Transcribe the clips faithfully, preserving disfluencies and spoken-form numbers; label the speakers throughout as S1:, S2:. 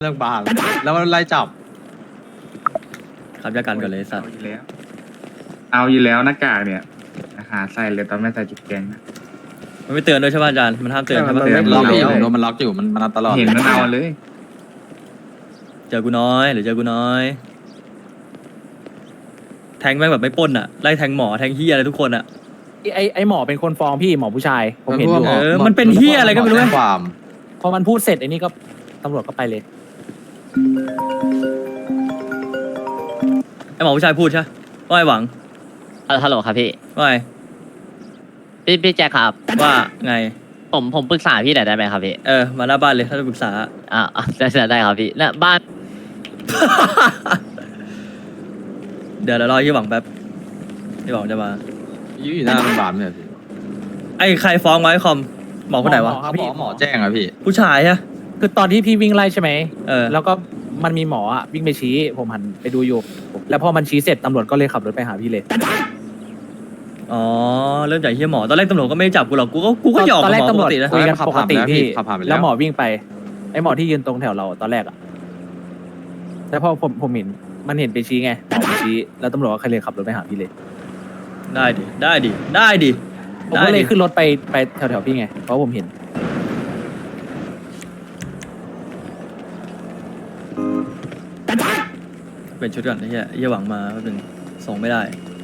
S1: เรื่องบาร์แล้วมันไล่จับ
S2: ครับยากันก่อนเลยสัตว์
S3: เอาอยู่แล้ว เอาอยู่แล้วหน้ากากเนี่ยหาใส่เลยตอนไม่ใส่จุดแกงนะ
S2: มันไม่เตือนด้วยใช่ป่ะอาจารย์มันห้ามเตือนใช่ป่ะ
S3: เตือน
S1: ล็อกอยู่
S3: แล้ว
S1: ผมโดนมันล็อกอยู่มันมันเอาตลอด
S3: เห็นมันเอาเลย
S2: เจอกูน้อยหรือเจอกูน้อย แทงแม่งแบบไม่ปล้นอ่ะไล่แทงหมอแทงเฮียอะไรทุกคนอ่ะ
S4: ไอไอหมอเป็นคนฟ้องพี่หมอผู้ชายผมเห็นอยู่
S2: เออมันเป็นเหี้ยอะไรก็ไม่รู้
S1: แจ้งความ
S4: พอมันพูดเสร็จไอ้นี่ก็ตำรวจก็ไปเลย
S2: ไอหมอผู้ชายพูดใช่ว่าไอหวัง
S5: เออฮัลโหลครับพี่
S2: ว่าไง
S5: พี่พี่แจ็คครับ
S2: ว่าไง
S5: ผมผมปรึกษาพี่หน่อยได้ไหมครับพี่
S2: เออมาหน้าบ้านเลยถ้าจะปรึกษา
S5: อ่าอ่ะได้ได้ได้ครับพี่น่ะบ้าน
S2: เดี๋ยวเรารอยี่หวังแป๊บยี่หวังจะมา
S1: ยืนอยู่หน้าโรงพยาบาลเนี่ยพี่
S2: ไอใครฟ้องไว้คอมหมอคนไหนวะ
S4: หมอ
S1: หมอหมอแจ้งอะพี่
S2: ผู้ชายใช่
S4: คือตอนที่พี่วิ่งไล่ใช่ไหม
S2: เออ
S4: แล้วก็มันมีหมออะวิ่งไปชี้ผมหันไปดูอยู่ แล้วพอมันชี้เสร็จตำรวจก็เลยขับรถไปหาพี่เลย
S2: อ๋อเริ่มจากเฮียหมอตอนแรกตำรวจก็ไม่ได้จับกูหรอกกูก็กูก็หยอก
S4: ตอนแรก
S2: หมอ
S4: ตำ
S2: ป
S4: รว
S2: ก
S4: จ
S2: ตินะ
S4: คุยกัน
S1: ขับ
S4: ปกติ
S1: ผ่านไปแล้ว
S4: พี่
S1: ขับผ่านไปแล้ว
S4: แล้วหมอวิ่งไปไอหมอที่ยืนตรงแถวเราตอนแรกอะแล้วพอผมผมเห็นมันเห็นไปชี้ไงหมอไปชี้แล้วตำรวจก็เลยขับรถไปหาพี่เลย
S2: ได้ดิได้ดิได้ดิ
S4: ผม
S2: ได้
S4: ก็เล
S2: ดิ
S4: ยขึ้นรถไปไปแถวๆพี่ไงเพราะผมเห็น
S2: เป็นชุดก่อนไอ้เฮียเฮียหวังมาแป๊บนึงส่งไม่ได้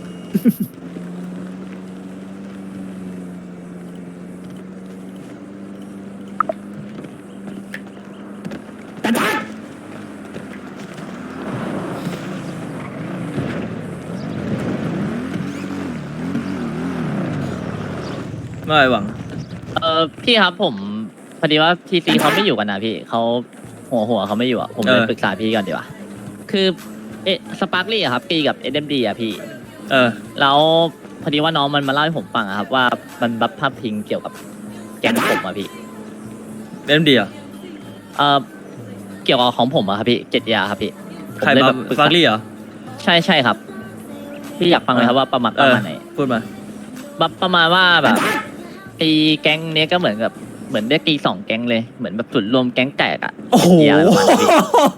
S2: ไม่หวัง
S5: เออพี่ครับผมพอดีว่าทีซีเขาไม่อยู่กันนะพี่เขาหัวหัวเขาไม่อยู่อ่ะผมเลย
S2: เออ
S5: ปรึกษาพี่ก่อนดีกว่าคือเอะสปาร์คลี่อะครับปีกับเอ็มดีอะพี่
S2: เออ
S5: แล้วพอดีว่าน้องมันมาเล่าให้ผมฟังอะครับว่ามันบัฟภาพพิงเกี่ยวกับแก๊งผมอะพี่
S2: เล่มดีอ่ะ
S5: เออเกี่ยวกับของผมอะครับพี่เจ็ดยาครับพี่ผม
S2: ใคร
S5: เลย
S2: มา
S5: แบบปรึก
S2: ฟา
S5: ษา
S2: ร์ลี่เหรอ
S5: ใช่ใช่ครับพี่อยากฟังไหมครับว่าประมาณ
S2: เอ
S5: ประ
S2: อ
S5: มาณไหน
S2: พูดมา
S5: แบบประมาณว่าแบบตีแก๊งเนี้ยก็เหมือนกับเหมือนได้ตีสองแก๊งเลยเหมือนแบบจุดรวมแก๊งแตกอะ
S2: โอ้โห
S5: เหี้ยอะไรประมาณนั้นพี่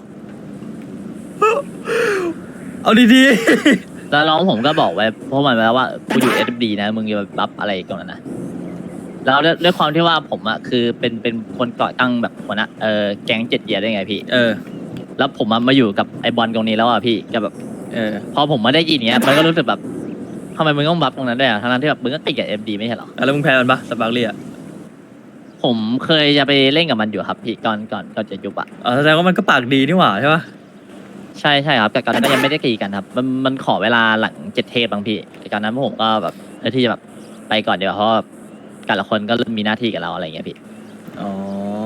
S2: เอาดี
S5: แล้วน้องผมก็บอกไว้เพราะมันไว้ว่ากูอยู่เอสดีนะมึงอย่ามาบัฟอะไรกันนะแล้วด้วยด้วยความที่ว่าผมอะคือเป็นเป็นคนก่อตั้งแบบหัวหน้าเออแก๊งเจ็ดเยียร์ได้ไงพี่
S2: ๆ เออ
S5: แล้วผมอะมาอยู่กับไอบอลตรงนี้แล้วอะพี่ก็แบบ
S2: เออ
S5: พอผมมาได้ยินเนี้ยมันก็รู้สึกแบบทำไมมึงต้องบัฟตรงนั้นด้วยอะทั้งๆที่แบบมึงก็ติดกับเอ็มดีไม่ใช่เหรอ
S2: แล้วมึงแพ้มันปะสปาร์ลี่อ่ะ
S5: ผมเคยจะไปเล่นกับมันอยู่ครับพี่ก่อนก่อนก่อนจะยุบอะ
S2: อ๋อแสดงว่ามันก็ปากดีนี่หว่าใช่ปะ
S5: ใช่ใช่ครับแต่ก่อนนั้นก็ยังไม่ได้ตีกันครับ มันมันขอเวลาหลังเจ็ดเทปบางพี่แต่ก่อนนั้นผมก็แบบเออที่จะแบบไปก่อนเดี๋ยวาเพราะว่าแต่ละคนก็เริ่มมีหน้าที่กับเราอะไรอย่างเงี้ยพี่
S2: อ๋อ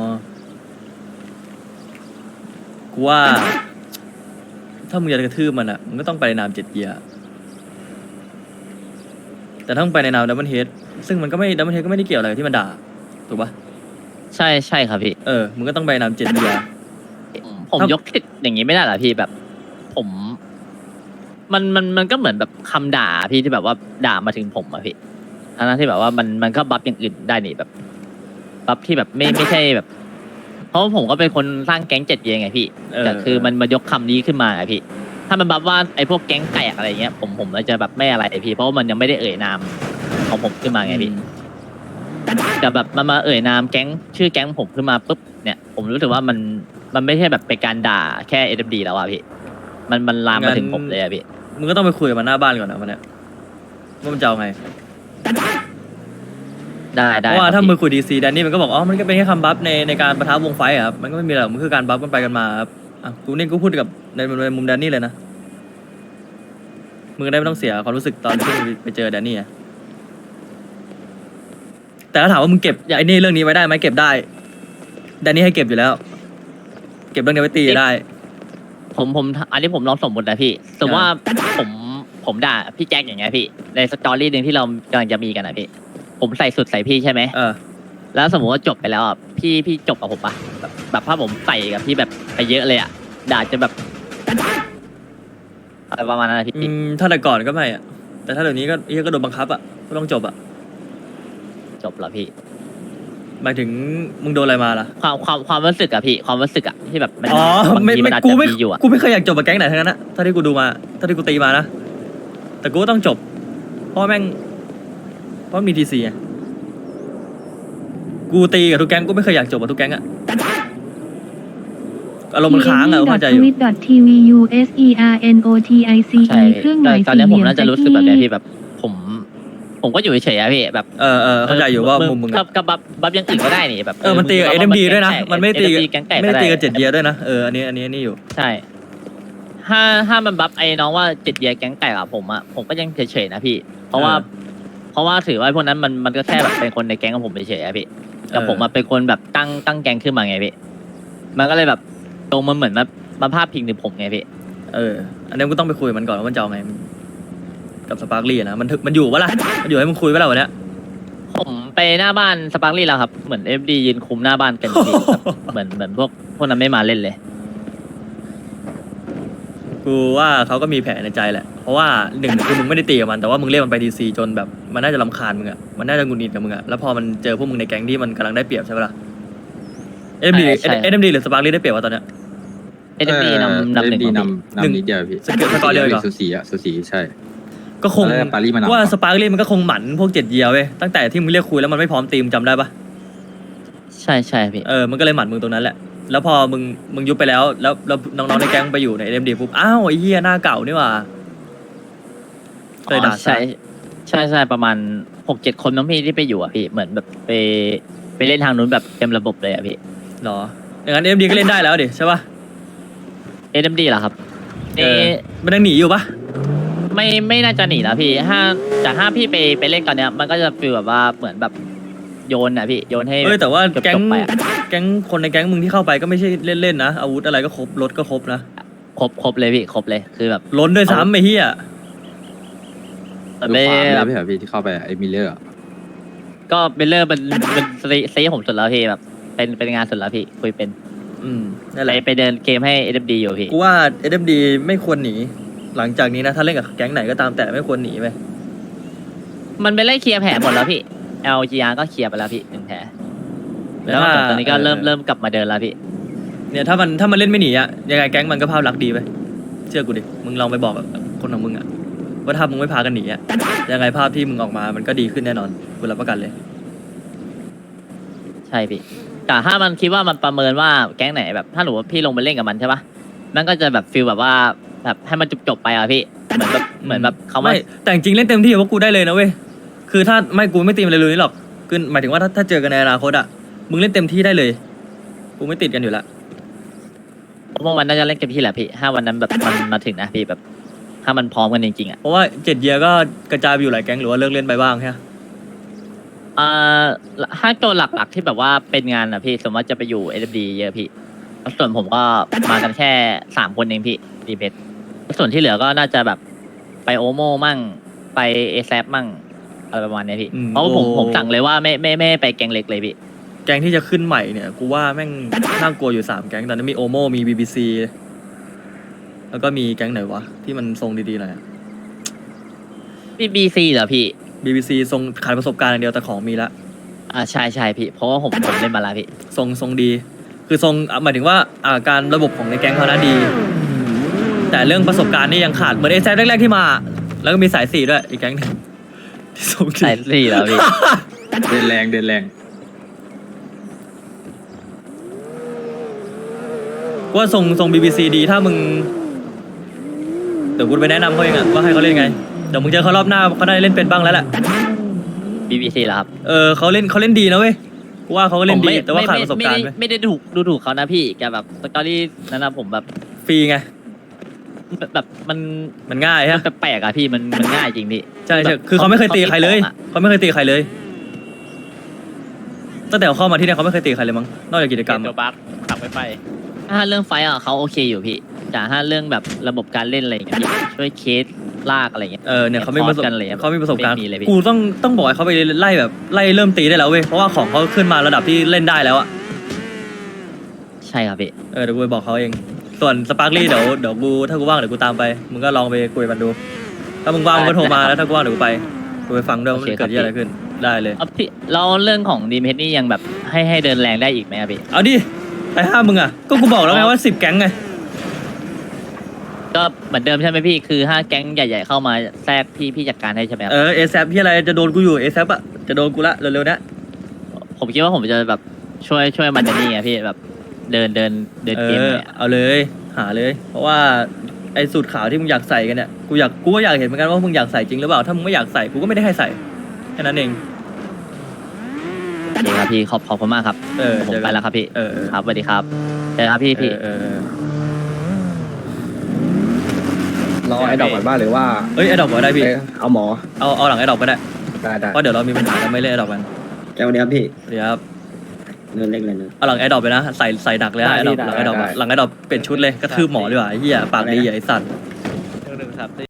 S2: กูว่า ถ้ามึงจะกระทืบมันอ่ะมึงก็ต้องไปในนามเจ็ดเยียร์แต่ถ้ามึงไปในนามดับเบิลเฮดซึ่งมันก็ไม่ดับเบิลเฮดก็ไม่ได้เกี่ยวอะไรกับที่มันด่า ถูกปะ
S5: ใช่ใช่ครับพี่
S2: เออ มึงก็ต้องไปในนามเจ็ดเยียร์
S5: ผม
S2: ถ้าย
S5: ยกผิดอย่างนี้ไม่ได้เหรอพี่แบบ ผม มันมันมันก็เหมือนแบบคำด่าพี่ที่แบบว่าด่ามาถึงผมอะพี่ทั้งๆที่แบบว่ามันมันก็บัฟอย่างอื่นได้นี่แบบบัฟที่แบบไม่ไม่ใช่แบบ เพราะว่าผมก็เป็นคนสร้างแก๊งเจ็ดเยียร์ไงพี่
S2: เออ
S5: แต่คือมันมายกคำนี้ขึ้นมาอะพี่ ถ้ามันบัฟว่าไอ้พวกแก๊งแตกอะไรเงี้ยผมผมเลยจะแบบไม่อะไรพี่ เพราะว่ามันยังไม่ได้เอ่ยนามของผมขึ้นมาไงพี่แต่แบบมันมาเอ่ยนามแก๊งชื่อแก๊งผมขึ้นมาปุ๊บเนี่ย ผมรู้สึกว่ามันมันไม่ใช่แบบเป็นการด่าแค่เอ็มดีแล้วอะพี่ มันมันลามมาถึงผมเลยอะพี่
S2: มึงก็ต้องไปคุยกับมันหน้าบ้านก่อนนะวันเนี้ยว่ามันจะเอาไง
S5: ได้
S2: เพ
S5: ได้
S2: ราะว่า
S5: ค
S2: ถ้า
S5: บ
S2: มึง
S5: พี่
S2: คุยดีซีแดนนี่มันก็บอกอ๋อมันก็เป็นแค่คำบัฟในในการประทับวงไฟท์อะครับมันก็ไม่มีอะไรหรอกมันคือการบัฟกันไปกันมาครับอ่ะกูนี่กูพูดกับในในมุมแดนนี่เลยนะมึงได้ไม่ต้องเสียความรู้สึกตอนที่มึงไปเจอแดนนี่อะแต่ถ้าถามว่ามึงเก็บไอ้นี่เรื่องนี้ไว้ได้ไหมเก็บได้แดนนี่ให้เก็บอยู่แล้ว เก็บเรื่องนี้ไว้ตีได้
S5: ผมผมอันนี้ผมลองสมมตินะพี่สมมติว่าผมผมด่าพี่แจ็คอย่างเงี้ยพี่ ในสตอรี่หนึ่งที่เรากำลังจะมีกันนะพี่ ผมใส่สุดใส่พี่ใช่ไหม
S2: เออ
S5: แล้วสมมติว่าจบไปแล้วอ่ะพี่พี่จบกับผมปะแบบแบบถ้าผมใส่กับพี่แบบไปเยอะเลยอ่ะด่าจะแบบอะไรประมาณนั้นนะพี่
S2: อืมถ้าแต่ก่อนก็ไม่อะแต่ถ้าเดี๋ยวนี้ก็เฮียก็โดนบังคับอะก็ต้องจบอะ
S5: จบแล้วพี่
S2: หมายถึงมึงโดนอะไรมาล่ะ
S5: ความความความรู้สึกอะพี่ความรู้สึกอะที่แบบมัน
S2: อ๋อบ
S5: าง
S2: ไม่
S5: ทีมั
S2: ไม่
S5: นอาจ
S2: กู
S5: จะ
S2: ไม่
S5: มีอยู่อะ
S2: กูไม่เคยอยากจบกับแก๊งไหนทั้งนั้นนะถ้าที่กูดูมาถ้าที่กูตีมานะแต่กูก็ต้องจบเพราะแม่งเพราะมีทีซีไงกูตีกับทุกแก๊งกูไม่เคยอยากจบกับทุกแก๊งอะอารมณ์มันค้างอะเข้าใจอยู่
S6: ทวิต ที วี ยู เอส อี อาร์ เอ็น โอ ที ไอ ซี
S5: ใช่
S6: อี เครื่องหมาย
S5: ตอน
S6: สี่
S5: นี้
S6: เห
S5: ผม
S6: ลี่ยม
S5: น่าจะรู้สึกแบบเนี้ยพี่แบบผม ผมก็อยู่เฉยๆอะพี่แบบ
S2: เออเออเข้าใจอยู่ว่ามุมมึง
S5: กั
S2: อะ
S5: บกับบัฟบัฟอยังอื่นก็ได้นี่แบบ
S2: เออมันตีกับ
S5: ง
S2: เอ็มดีด้วยนะ
S5: แก๊ง
S2: มันไม่ได้ตีกับ
S5: แก๊งแตก
S2: ไม่ได้ตีกับ
S5: ด้
S2: เจ็ดเยียร์ด้วยนะเอออันนี้อันนี้อันนี้อยู่
S5: ใช่ ถ้าถ้ามันบัฟไอ้น้องว่าเจ็ดเยียร์แก๊งแตกอะผมอะผมก็ยังเฉยๆนะพี่ เพราะว่า เพราะว่าถือว่าพวกนั้นมันมันก็แค่แบบเป็นคนในแก๊งของผมเฉยๆอะพี่แต่ผมมาเป็นคนแบบตั้งตั้งแก๊งขึ้นมาไงพี่ มันก็เลยแบบตรงมันเหมือนมามาภาพพิงถึงผมไงพี่
S2: เอออันนี้มึงก็ต้องไปคุยกับมันก่อนว่ามันจะเอาไงกับสปาร์คลี่นะมันถึกมันอยู่ปะล่ะมันอยู่ให้มึงคุยปะล่ะวันเนี้ย
S5: ผมไปหน้าบ้านสปาร์คลี่แล้วครับ เหมือนเอฟดียืนคุมหน้าบ้านกันอยู่พี่ แบบเหมือนเหมือนพวกพวกนั้นไม่มาเล่นเลย
S2: กูว่าเขาก็มีแผนในใจแหละ เพราะว่าหนึ่งคือมึงไม่ได้ตีกับมันแต่ว่ามึงเรียกมันไปดีซีจนแบบมันน่าจะรำคาญมึงอะมันน่าจะหงุดหงิดกับมึงอะแล้วพอมันเจอพวกมึงในแก๊งที่มันกำลังได้เปรียบใช่ปะล่ะเอ็มดี
S5: ใช่ใช่
S2: เอ็มดีหรือสปาร์คลี่ได้เปรียบวะตอนเนี้ย
S5: เอฟดีนำนำหนึ่ง
S1: ดี
S5: ของพี่
S1: นำนำนิดเดียวพี่
S2: สเกิร์ตสกอร์เดียวเหรอ
S1: สูสีอะสูสีใช่
S2: ก็คง
S1: แล้วปารีสมันนำ
S2: ว่าสปาร์คลี่มันก็คงหมั่นพวกเจ็ดเยียร์เว้ยตั้งแต่ที่มึงเรียกคุยแล้วมันไม่พร้อมตีมจำได้ปะ
S5: ใช่ใช่พี่
S2: เออมันก็เลยหมั่นมึงตรงนั้นแหละแล้วพอมึงมึงยุบไปแล้วแล้วแล้วน้องๆในแก๊งไปอยู่ในเอ็มดีปุ๊บอ้าวไอ้เหี้ยหน้าเก่านี่หว่าเคยด่า
S5: ใช่ใช่ใช่ประมาณหกเจ็ดคนน้องพี่ที่ไปอยู่อ่ะพี่เหมือนแบบไปไปเล่นทางนู้นแบบเต็มระบบเลยอ่ะพี่
S2: หรออย่างนั้นเอ็มดีก็เล่นได้แล้วดิใช่ปะ
S5: เอ็มดีเหรอครับ
S2: เอ
S5: เอ
S2: อมันยังหนีอยู่ปะ
S5: ไม่ไม่น่าจะหนีนะพี่ถ้าจากถ้าพี่ไปไปเล่นตอนเนี้ยมันก็จะฟีลแบบว่าเหมือนแบบโยนอ่ะพี่โยนให้
S2: เอ้ยแต่ว่า
S5: เกือบ
S2: แก๊ง
S5: จบไปอะ
S2: แก๊งคนในแก๊งมึงที่เข้าไปก็ไม่ใช่เล่นๆนะอาวุธอะไรก็ครบรถก็ครบนะ
S5: ครบครบเลยพี่ครบเลยคือแบบ
S2: ล้นด้วยซ้ำไอ้เหี้ย
S5: แบบ
S1: ดู
S5: ไม่
S1: ความ
S5: แบ
S1: เลย
S5: บ
S1: พี่เหรอพี่ที่เข้าไปไอ้มิลเลอร์อะ
S5: ก็เบลเลอร์มันมันซีซีผมสุดแล้วพี่แบบเป็นเป็นงานสุดแล้วพี่คุยเป็น
S2: อืมนั่น
S5: ไป
S2: แหละ
S5: ไปเดินเกมให้เอ็มดีอยู่พี่
S2: กูว่าเอ็มดีไม่ควรหนีหลังจากนี้นะถ้าเล่นกับแก๊งไหนก็ตามแต่ไม่ควรหนีไป
S5: มันไปไล่เคลียร์แผลหมดแล้วพี่ แอล จี อาร์ ก็เคลียร์ไปแล้วพี่หนึ่งแผลแล้วก็ตอนนี้ก็เริ่มเริ่มกลับมาเดินแล้วพี่
S2: เนี่ยถ้ามันถ้ามันเล่นไม่หนีอะยังไงแก๊งมันก็ภาพลักษณ์ดีไปเชื่อกูดิมึงลองไปบอกกับคนของมึงอะว่าถ้ามึงไม่พากันหนีอะยังไงภาพที่มึงออกมามันก็ดีขึ้นแน่นอนกูรับประกันเลย
S5: ใช่พี่แต่ถ้ามันคิดว่ามันประเมินว่าแก๊งไหนแบบถ้าหนูว่าพี่ลงไปเล่นกับมันใช่ปะมันก็จะแบบฟีลแบบว่าแบบให้มันจบจบๆไปอะพี่เหมือนแบบเหมือนแบบเขามา
S2: ไม่แต่จริงๆเล่นเต็มที่กับพวกกูได้เลยนะเว้ยคือถ้าไม่กูไม่ตีมันเลยเลยหรอกคือหมายถึงว่าถ้าถ้าเจอกันในอนาคตอะมึงเล่นเต็มที่ได้เลยกูไม่ติดกันอยู่ละ
S5: ผมว่ามันน่าจะเล่นเต็มที่แหละพี่ถ้าวันนั้นแบบมันมาถึงนะพี่แบบ ถ้ามันพร้อมกันจริงๆอ่ะ
S2: เพราะว่าเจ็ดเยียร์ก็กระจายไปอยู่หลายแก๊งหรือว่าเลิกเล่นไปบ้างใช่ไหม
S5: อ่าถ้าตัวหลักๆที่แบบว่าเป็นงานอ่ะพี่สมมติจะไปอยู่เอ d ดีเยอะพี่ส่วนผมก็มากันแค่สามคนเองพี่ดีเพชรส่วนที่เหลือก็น่าจะแบบไปโอโมมั่งไปเอแซมั่งอะไรประมาณเนี้ยพี่เพราะว่าผมผมสั่งเลยว่าไม่ไม่ไม่ไปแกงเล็กเลยพี่
S2: แก๊งที่จะขึ้นใหม่เนี่ยกูว่าแม่งน่ากลัวอยู่สามแก๊งตอนนี้มีโอโมมีบีบีซีแล้วก็มีแก๊งไหนวะที่มันทรงดีๆหน่อย
S5: บีบีซีเหรอพี่
S2: บีบีซีทรงขาดประสบการณ์อย่างเดียวแต่ของมีละ
S5: อ่าใช่ใช่พี่เพราะว่าผมผมเล่นมาแล้วพี่
S2: ทรงทรงดี คือทรงอ่ะหมายถึงว่าอ่าการระบบของในแก๊งเขานะดี แต่เรื่องประสบการณ์นี่ยังขาดเหมือนเอแซแรกๆที่มา แล้วก็มีสายสี่ด้วยอีกแก๊งหนึงที่ทรงดี
S5: ใส่สี่แล้วพี่
S1: เดินแรงเดินแรง
S2: ว่าทรงทรงบีบีซีดีถ้ามึงเดี๋ยวกูไปแนะนำเขาเองอะว่าให้เขาเล่นไงเดี๋ยวมึงเจอเขารอบหน้าเขาได้เล่นเป็นบ้างแล้วแหละ
S5: บีบีซีเหรอครับ
S2: เออเขาเล่นเขาเล่นดีนะเว้ยกูว่าเขาก็เล่น
S5: ผม
S2: ดี
S5: ไม่
S2: แต่ว่าขาดประสบการณ์
S5: ไม่
S2: ไหม
S5: ได้ไม่ได้ถูกดูถูกเขานะพี่แกแบบสตอรี่นั้นนะผมแบบ
S2: ฟรีไง
S5: แบบแบบมัน
S2: มันง่าย
S5: มั
S2: ฮะ
S5: นแปลกๆอะพี่มันมันง่ายจริงพี่
S2: ใช่ใช่
S5: แบบ
S2: คือเขาไม่เคยตีใครเลย
S5: เขา
S2: เขาไม่เคยตีใครเลยตั้งแต่เขาเข้ามาที่เนี่ยเขาไม่เคยตีใครเลยมั้งนอกจากกิจกรรม
S5: เดี๋
S2: อะ
S5: ยวบักขับไปไปถ้าเรื่องไฟท์อะเขาโอเคอยู่พี่แต่ถ้าเรื่องแบบระบบการเล่นอะไรอย่างเงี้ยพี่ช่วยเคสลากอะไรอย่างเงี้ย
S2: เออเนี่ยเขาไม่ประสบ
S5: คอร์สกันเลย
S2: เขาไม่ประสบการณ์
S5: ไม่มีเลยพี่
S2: กูต้องต้องบอกให้เขาไปไล่แบบไล่เริ่มตีได้แล้วเว้ยเพราะว่าของเขาขึ้นมาระดับที่เล่นได้แล้วอะ
S5: ใช่ครับพี่
S2: เออเดี๋ยวกูไปบอกเขาเอง ส่วนสปาร์คลี่เดี๋ยวเดี๋ยวกูถ้ากูว่างเดี๋ยวกูตามไปมึงก็ลองไปคุยกับมันดู ถ้ามึงว่างมึงก็โทรมาแล้วถ้ากูว่างเดี๋ยวกูไปกูไปฟังด้วยว่ามันเกิดเรื่องอะไรขึ้นได้เลย
S5: เอาพี่แล้วเรื่องของดีมเฮดนี่ยังแบบให้ให้เดินแรงได้อีกไหมครับพี่
S2: เอาดิไอ้ห้ามึงอ่ะก็กูบอกแล้วไงว่าสิบแก๊งไง
S5: ก็เหมือนเดิมใช่ไหมพี่คือห้าแก๊งใหญ่ ๆ เข้ามาแทรกพี่พี่จัดการให้ใช่ไหมครับ
S2: เออเอซพี่อะไรจะโดนกูอยู่เอซอะจะโดนกูละเร็วๆเนี้ย
S5: ผมคิดว่าผมจะแบบช่วยช่วยมันจะนี่ไงพี่แบบเดินเดินเดิน
S2: เอ
S5: เกม
S2: อ
S5: เลยอะ
S2: เอาเลยหาเลย เพราะว่าไอ้สูตรขาวที่มึงอยากใส่กันเนี่ยกูอยากกูก็อยากเห็นเหมือนกันว่ามึงอยากใส่จริงหรือเปล่าถ้ามึงไม่อยากใส่กูก็ไม่ได้ให้ใส่แค่นั้นเอง
S5: โอเคครับพี่ขอบขอบคุณมากครับ
S2: เออ
S5: ผม
S2: เจอกัน
S5: ไปแล้วครับพี่
S2: เออ
S5: ครับสวัสดีครับเจอกันครับพี่พี่
S2: เออเออ
S7: รอไอ้ดอกก่อนบ้าหรือว่า
S2: เอ้ยไอ้ดอกก็ได้พี่
S7: เอ้ยเอาหมอ
S2: เอาเอาหลังไอ้ดอกก็ได้
S7: ได้ได้
S2: เพราะเดี๋ยวเรามีปัญหากันไม่เล่นไอ้ดอกกัน
S7: แกวันนี้ครับพี่
S2: เดี๋ยวครับ
S7: เงินเล็กเลยเนอะ
S2: เอาหลังไอ้ดอกไปนะใส่ใส่ดักเลยนะไอ้ดอกหลังไอ้ดอกอะหลังไอ้ดอกเป็นชุดเลยกระทืบหมอดีกว่าไอ้เหี้ยปากดีอ่ะไอ้สัตว์